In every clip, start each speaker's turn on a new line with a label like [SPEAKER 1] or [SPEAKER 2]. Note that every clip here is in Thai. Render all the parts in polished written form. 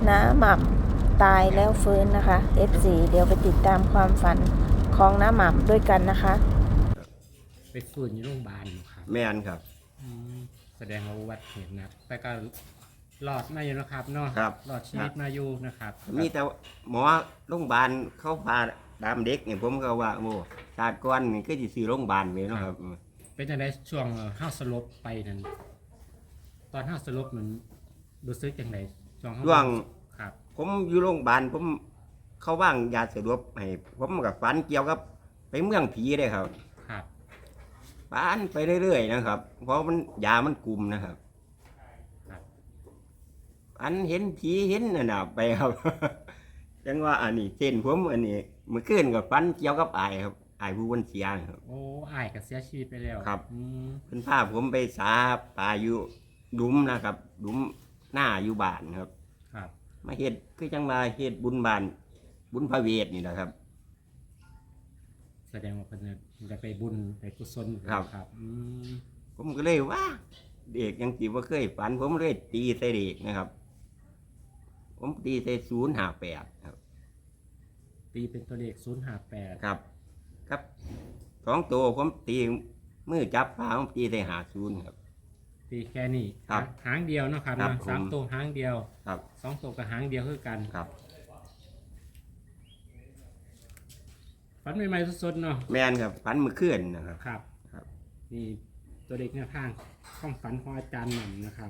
[SPEAKER 1] น้าหม่ำตายแล้วฟื้นนะคะ F4 เดี๋ยวไปติดตามความฝันของน้าหม่ำด้วยกันนะคะ
[SPEAKER 2] ไปฟื้นอยู่โรงพยาบาลครับ
[SPEAKER 3] แม่นครับ
[SPEAKER 2] แสดงว่าอุบัติเหตุนะแต่ก็รอดมาอยู่นะครับเนาะรอดชีวิตมาอยู่นะครับ
[SPEAKER 3] มีแต่หมอโรงพยาบาลเขาพาดามเด็กเนี่ยผมก็ว่าโอ้ชาติก่อนนี่ก็สิซื้อโรงพยาบาลเลยเนาะครับ
[SPEAKER 2] เป็นจังได๋ช่วงห้าสลบไปนั่นตอนห้าสลบมันรู้สึกจังได๋ช่วงครับ
[SPEAKER 3] ผมอยู่โรงพยาบาลผมเขาว่างยาสลบให้ผมกับฝันเกี่ยวกับไปเมืองผีเลยครับฝันไปเรื่อยๆนะครับเพราะมันยามันกลุ่มนะครับอันเห็นผีเห็นน่ะไปครับจังว่าอันนี้เส้นผมอันนี้เมื่อคืนกับฝันเกี่ยวกับอายครับอายผู้วันเสียครับ
[SPEAKER 2] โอ้อายก็เสียชีวิตไปแล้ว
[SPEAKER 3] ครับเพิ่นพาผมไปสาปลาอยู่ดุมนะครับดุมหน้าอยู่บ้านครับมาเฮ็ดคือจังว่าเฮ็ดบุญบ้านบุญพระเวทนี่แหละครับ
[SPEAKER 2] แสดงว่าเพิ่นจะไปบุญไปกุศล
[SPEAKER 3] ครับผมก็เลยว่าเด็กยังสิบ่เคยฝันผมเลยตีใส่เด็กนะครับผมตีใส่058ครับ
[SPEAKER 2] ตีเป็นตัวเลข058
[SPEAKER 3] ครับ2ตัวผมตีมือจับปลาผมตีใส่50ครับ
[SPEAKER 2] ตีแค่นี้หางเดียวเนาะครับ3ตัวหางเดียว2ตัวกับหางเดียวคือกันฝันใหม่ๆสดๆเนาะ
[SPEAKER 3] แม่นครับฝันเมื่อคืนนะครับ
[SPEAKER 2] ครับนี่ตัวเด็กแนวทางความฝันของอาจารย์หม่ำนะครับ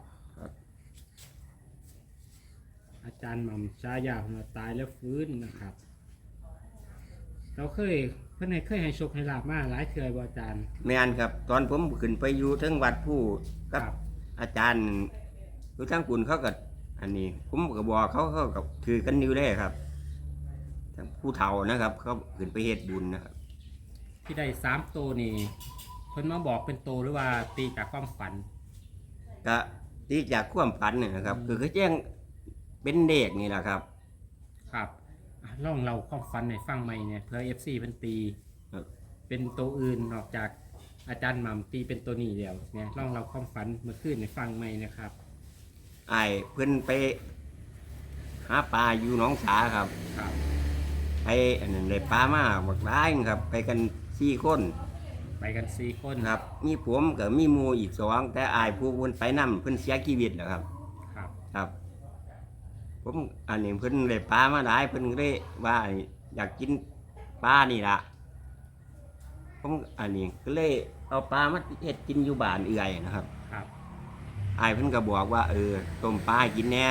[SPEAKER 2] อาจารย์หม่ำชายาหัวตายแล้วฟื้นนะครับเราเพื่อนเคยให้โชคให้ลาบมาหลายเทื่อบ่อาจารย์
[SPEAKER 3] แม่นครับตอนผมขึ้นไปอยู่ทั้งวัดผู้กับอาจารย์อยู่ทั้งกุลเขาก็อันนี้ผมก็บอกเขากับถือกันอยู่ได้ครับทั้งผู้เฒ่านะครับเขาขึ้นไปเฮ็ดบุญนะครับ
[SPEAKER 2] ที่ได้3ตัวนี่เพิ่นมาบอกเป็นตัวหรือว่าตีจากความฝัน
[SPEAKER 3] ก็ตีจากความฝันนี่นะครับคือเขาแจ้งเป็นเด็กนี่แหละครับ
[SPEAKER 2] ลองเราความฝันในฟังใหม่เนี่ยเพื่อ FC เพิ่นตีเป็นตัวอื่นนอกจากอาจารย์หม่ำตีเป็นตัวนี้เดียวเนี่ยลองเราความฝันเมื่อคืนในฟังใหม่นะครับ
[SPEAKER 3] เพิ่นไปหาปลาอยู่หนองสาครับไปอันนั้นได้ปลามาบักหลายครับไปกัน4 คนครับมีผมกับมีหมู่อีก2แต่อายผู้เพิ่นไปนำเพิ่นเสียชีวิตแล้วครับผมอันนี้เพิ่นได้ปลามาหลายเพิ่นเลยว่าอยากกินปลานี่ล่ะผมอันนี้ก็เลยเอาปลามาเฮ็ดกินอยู่บ้านเอื่อยนะครับอายเพิ่นก็บอกว่าต้มปลากินแน่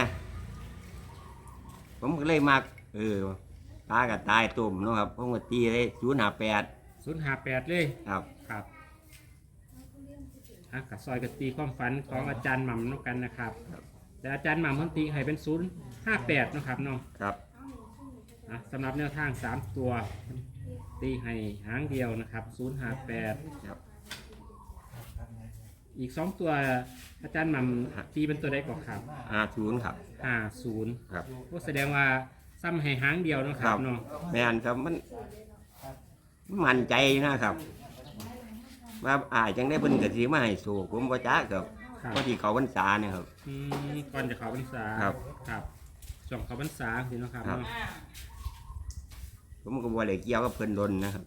[SPEAKER 3] ผมก็เลยมักปลาก็ตายต้มเนาะครับผมก็ตีเลย
[SPEAKER 2] 058เลยครับกับซอยกับตีความฝันของอาจารย์หม่ำนกันนะครับแต่อาจารย์หม่ำเพิ่นตีให้เป็น058นะครับเนาะสำหรับแนวทาง3ตัวตีให้หางเดียวนะครับ058อีก2ตัวอาจารย์หม่ำตีเป็นตัวใดก่อนครับ
[SPEAKER 3] 50ครับ
[SPEAKER 2] 50ครับก็แสดงว่าซ้ำให้หางเดียวนะครับเนาะ
[SPEAKER 3] แม่นครับมันมั่นใจนะครับว่าจังได้เพิ่นก็สิมาให้โชคผมบ่จักครับพอที่เขาพรรษาเนี่ยครับ
[SPEAKER 2] ก่อนจะเขาพรรษาครับช่วงเขาพรรษาสิเนาะครับ
[SPEAKER 3] ผมก็บ่ได้เกี่ยวกับเพิ่นดนนะครับ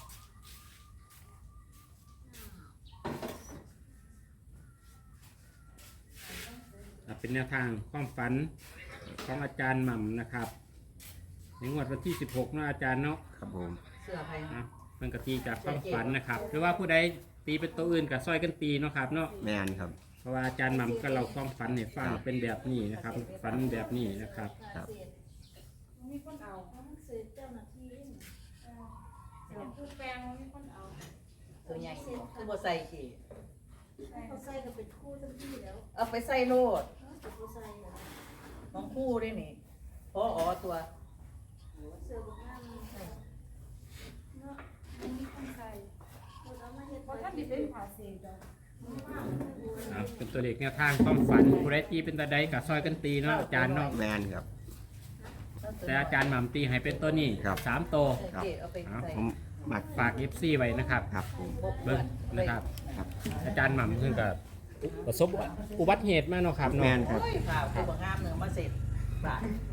[SPEAKER 2] เป็นแนวทางความฝันของอาจารย์หม่ำนะครับในงวดวันที่16นะอาจารย์เนาะ
[SPEAKER 3] ครับผม
[SPEAKER 2] มันก็ตีจากความฝันนะครับหรือว่าผู้ใดตีเป็นตัวอื่นกับซอยกันตีเนาะครับเนาะ
[SPEAKER 3] แม่นครับ
[SPEAKER 2] เพราะว่าอาจารย์หม่ำก็เราความฝันให้ฟังเป็นแบบนี้นะครับฝันแบบนี้นะครับ
[SPEAKER 4] มีคนเอาเขาต้องซื้อเจ้าหน้าที่ผู้แปลงมีคนเอา
[SPEAKER 5] ตัวใหญ่คือบ่ใส่กี่
[SPEAKER 4] เขาใส่ก็เป็นคู่ทั้งที่แล้ว
[SPEAKER 5] เอาไปใส่โลดน้องคู่ได้นี่พอตัว
[SPEAKER 4] เสือบุกน้ำเนาะมีคนใส่เพราะท่านดิเป็นผ่าเศษ
[SPEAKER 2] เป็นตัวเลขแนวทางความฝันผู้ใดตีเป็นตัวใดกับซอยกันตีเนาะอาจารย์เนาะ
[SPEAKER 3] แม่นครับ
[SPEAKER 2] แต่อาจารย์หม่ำตีให้เป็นตัวนี้3ตัว
[SPEAKER 3] ผม
[SPEAKER 2] ฝาก FC ไว้นะครับเบิ่งนะครับอาจารย์หม่ำเพิ่งกับประสบอุบัติเหตุมาเนาะครับเนาะ
[SPEAKER 3] แม่นครับ
[SPEAKER 5] ตัวงามเนื้อมาเสร็จ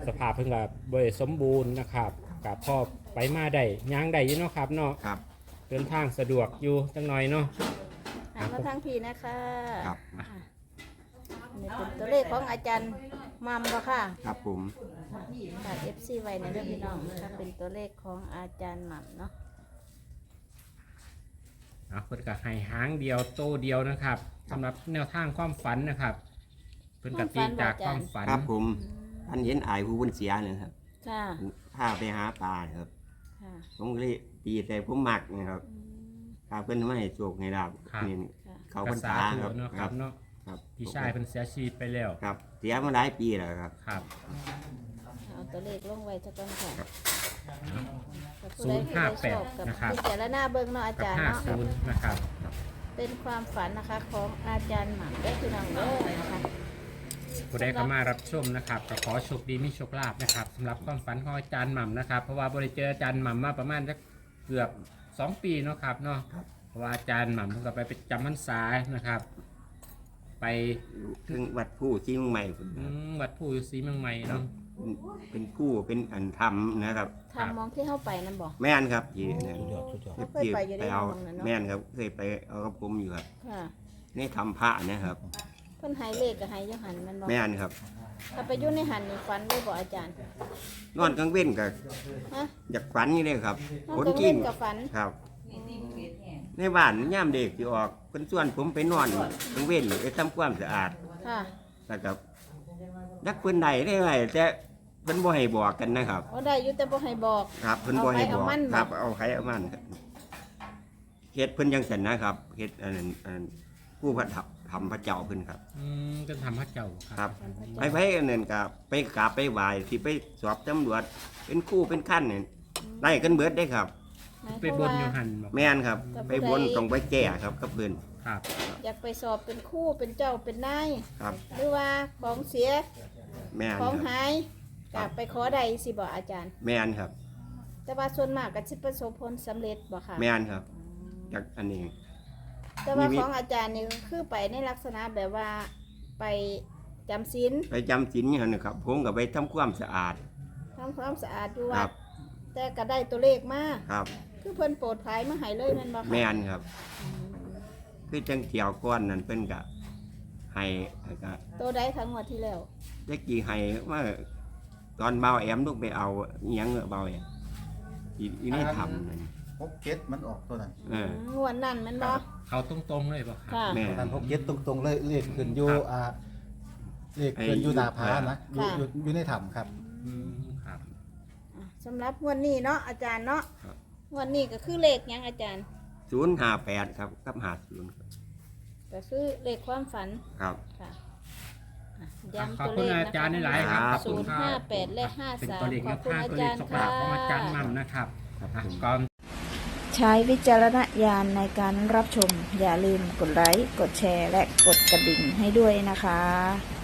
[SPEAKER 2] ภาพเพิ่งกับบริสมบูรณ์นะครับกับพ่อไปมาได้ย่างได้อยินเนาะครับเนาะ
[SPEAKER 3] ครับ
[SPEAKER 2] เดินทางสะดวกอยู่จังหน่อยเนาะ
[SPEAKER 1] หันมาทางพี่นะคะ
[SPEAKER 3] ครับ
[SPEAKER 1] อันนี้เป็นตัวเลขของอาจารย์มัมบ่ค่ะ
[SPEAKER 3] ครับผม
[SPEAKER 1] ฝาก FC ไว้ในเรื่องพี่น้องนะคะเป็นตัวเลขของอาจารย์หม่ำเนาะ
[SPEAKER 2] เพิ่นก็ให้หางเดียวโตเดียวนะครับสำหรับแนวทางความฝันนะครับเพิ่นก็ตีจากความฝัน
[SPEAKER 3] ครับผมอันเห็นอายผู้บนเสียเลยครับ
[SPEAKER 1] ค่ะ
[SPEAKER 3] พาไปหาปลาครับ
[SPEAKER 1] ค่ะ
[SPEAKER 3] ผมก็เลยตีแต่ผมมักนะครับพาเพิ่นมาให้โชคให้ลาบนี่
[SPEAKER 1] ค่ะ
[SPEAKER 3] เขา
[SPEAKER 2] ก
[SPEAKER 3] พรร
[SPEAKER 2] ษา
[SPEAKER 3] ษา
[SPEAKER 2] ถู
[SPEAKER 3] ครับ
[SPEAKER 2] เนาะครับเนาะ
[SPEAKER 3] ครับ
[SPEAKER 2] พี่ชายเพิ่นเสียชีวิตไปแล้ว
[SPEAKER 3] ครับเสียมาหลายปีแล้วครับ
[SPEAKER 2] ครับ
[SPEAKER 1] เอาตัวเลขลงไว้สักก่อนค่ะ
[SPEAKER 2] 058
[SPEAKER 1] กับ
[SPEAKER 2] นะครับ
[SPEAKER 1] พิจารณาเบิ่งเนาะอา
[SPEAKER 2] กับ
[SPEAKER 1] จารย์เนาะ
[SPEAKER 2] 50นะครับ
[SPEAKER 1] เป็นความฝันนะคะของอาจารย์หม่ำได้พี่น้องเด้อนะคะ
[SPEAKER 2] ผู้ใดเข้ามารับชมนะครับก็ขอโชคดีมีโชคลาภนะครับสำหรับความฝันของอาจารย์หม่ำนะครับเพราะว่าบริเจออาจารย์หม่ำมาประมาณสักเกือบ2 ปีเนาะครับเนาะเพราะว่าอาจารย์หม่ำเพิ่งก็ไปจำพรรษานะครับ ไป
[SPEAKER 3] ถึงวัดผู้ที่เมืองใหม่ผม
[SPEAKER 2] วัดผู้อยู่ศรีเมืองใหม่เนาะ
[SPEAKER 3] เป็นผู้เป็นอันทำนะครับ
[SPEAKER 1] ทำมองที่เข้าไปนั่นบอก
[SPEAKER 3] แม่นครับที่นั่น
[SPEAKER 1] เขาเคยไปอยู่ใน
[SPEAKER 3] เอา
[SPEAKER 1] มองนั้นเนาะ
[SPEAKER 3] แม่นครับเคยไปเอากับผมอยู่ครับ
[SPEAKER 1] ค่ะ
[SPEAKER 3] นี่ทำพระนะครับ
[SPEAKER 1] เพิ่นใหายเลขกับหายยหันมันบอก
[SPEAKER 3] แม่นครับ
[SPEAKER 1] ถ้าไปอยู่ในหันนี่ฝันได้บอกอาจารย์
[SPEAKER 3] นอนกลางเว้นกับ
[SPEAKER 1] ฮะ
[SPEAKER 3] อยากฝันนี่เลยครับ
[SPEAKER 1] นอน
[SPEAKER 3] คน
[SPEAKER 1] กลาง
[SPEAKER 3] กิ
[SPEAKER 1] เว้
[SPEAKER 3] น
[SPEAKER 1] นกับฝัน
[SPEAKER 3] ครับ
[SPEAKER 5] มีติ่งเบ็ดแห้ง
[SPEAKER 3] ในบ้านย่ามเด็กที่ออกเพิ่นส่วนผมไปนอนกลางเว้นไปทำความสะอาด
[SPEAKER 1] ค่ะ
[SPEAKER 3] แล้วก็นักเพิ่นใดได้ไหมแต่เพิ่นบ่ให้บอกกันนะครับ
[SPEAKER 1] เอาได้อยู่แต่บ่ให้บอก
[SPEAKER 3] ครับเพิ่นบ่ให้บอก
[SPEAKER 1] เอาไผเอามัน
[SPEAKER 3] ครับเอาใครเอามันครับเฮ็ดเพิ่นจังซั่นนะครับเฮ็ดอันนั้นผู้พระทับทำพระเจ้าเพิ่นครับ
[SPEAKER 2] ก็ทำพระเจ้าค
[SPEAKER 3] ค
[SPEAKER 2] รั
[SPEAKER 3] รับ บไปอันนั้นก็ไปกราบไปไหว้ที่ไปสอบตำรวจเป็นครู่เป็นขั้นนี่ได้กันเบิดได้ครับ
[SPEAKER 1] หมาย
[SPEAKER 2] ไป
[SPEAKER 1] ความ
[SPEAKER 2] บน
[SPEAKER 1] ว่า
[SPEAKER 2] อยู่หันบอก
[SPEAKER 3] แม่นครับ
[SPEAKER 1] แต่ผู้
[SPEAKER 3] ไป
[SPEAKER 1] ใด
[SPEAKER 3] บนต้องไปแก้ครับกับเพิ่น
[SPEAKER 2] ครับ
[SPEAKER 1] อยากไปสอบเป็นครู่เป็นเจ้าเป็นนาย
[SPEAKER 3] ครับ
[SPEAKER 1] หรือว่าของเสีย
[SPEAKER 3] แม่น
[SPEAKER 1] ของ
[SPEAKER 3] ครับ
[SPEAKER 1] หาย
[SPEAKER 3] ครั
[SPEAKER 1] กั
[SPEAKER 3] บบ
[SPEAKER 1] ไปขอใดสิบอกอาจารย์
[SPEAKER 3] แม่นครับ
[SPEAKER 1] แต่ว่าส่วนมากก็สิประสบผลสำเร็จบ่ค่ะ
[SPEAKER 3] แม่นครับจากอันนี้
[SPEAKER 1] แต่ว่า
[SPEAKER 3] มี
[SPEAKER 1] ของอาจารย์นี่คือไปในลักษณะแบบว่าไปจำศีล
[SPEAKER 3] ไปจำศีลอย่างนี้ครับผมก็ไปทำความสะอาด
[SPEAKER 1] ทำความสะอาดอยู่
[SPEAKER 3] ค
[SPEAKER 1] วั
[SPEAKER 3] รั
[SPEAKER 1] ด
[SPEAKER 3] บ
[SPEAKER 1] แต่ก็ได้ตัวเลขมา
[SPEAKER 3] ครับ
[SPEAKER 1] คือเพิ่นโปรดภัยมาให้เลยแม่นบ่คะ
[SPEAKER 3] แม่นครับคือจังเกี่ยวก้อนนั่นเพิ่นก็ให้ก็
[SPEAKER 1] ตัวใดทั้งหมดที่แล้ว
[SPEAKER 3] จักกี่ให้ว่าตอนเบาแอมลูกไปเอาอิหยังเบาแอมอีนี่ทำนั่น
[SPEAKER 6] พกเก็ตมันออกตัวนั้น
[SPEAKER 3] เออ
[SPEAKER 1] งวดนั้นแม่นบ่
[SPEAKER 2] เขาตรงๆเลยบอกครับ
[SPEAKER 1] ค่ะ
[SPEAKER 3] แม่
[SPEAKER 6] ตัวนั้นพกเก็ตตรงๆเลยเลขขึ้นอยู่
[SPEAKER 2] ครับ
[SPEAKER 6] เลขขึ้นอยู่หน้าผานะอยู่
[SPEAKER 1] ค่ะ
[SPEAKER 6] อยู่ในถ้ำครับ
[SPEAKER 2] ครับ
[SPEAKER 1] อ่ะสำหรับงวดนี้เนาะอาจารย์เนาะ
[SPEAKER 3] ครับ
[SPEAKER 1] งวดนี้ก็คือเลขหยังอาจารย์
[SPEAKER 3] 058ครับกับ50ครับ
[SPEAKER 1] ก็คือเลขความฝัน
[SPEAKER 3] ครับ
[SPEAKER 1] ค่ะอ่ะ
[SPEAKER 2] ข
[SPEAKER 1] ย้ำ
[SPEAKER 2] อบ
[SPEAKER 1] ตัว
[SPEAKER 2] คุณ
[SPEAKER 1] เลข
[SPEAKER 2] อา
[SPEAKER 1] นะ
[SPEAKER 2] จารย์
[SPEAKER 1] คะ
[SPEAKER 2] หลายๆครับ
[SPEAKER 3] ครับ
[SPEAKER 2] ขอบคุณครับ
[SPEAKER 1] 058และ
[SPEAKER 2] เป็นตัวเลข
[SPEAKER 1] 53
[SPEAKER 2] แน
[SPEAKER 1] ขอบ
[SPEAKER 2] ว
[SPEAKER 1] คุณ
[SPEAKER 2] ทาง
[SPEAKER 1] อา
[SPEAKER 2] ตัวเล
[SPEAKER 1] จา
[SPEAKER 2] ข
[SPEAKER 1] รย์
[SPEAKER 2] สก
[SPEAKER 1] ค่ะ
[SPEAKER 2] ลาของอาจารย์มั่มนะครับ
[SPEAKER 3] ครับผม
[SPEAKER 2] ก่อน
[SPEAKER 1] ใช้วิจารณญาณในการรับชม อย่าลืมกดไลค์ กดแชร์ และกดกระดิ่งให้ด้วยนะคะ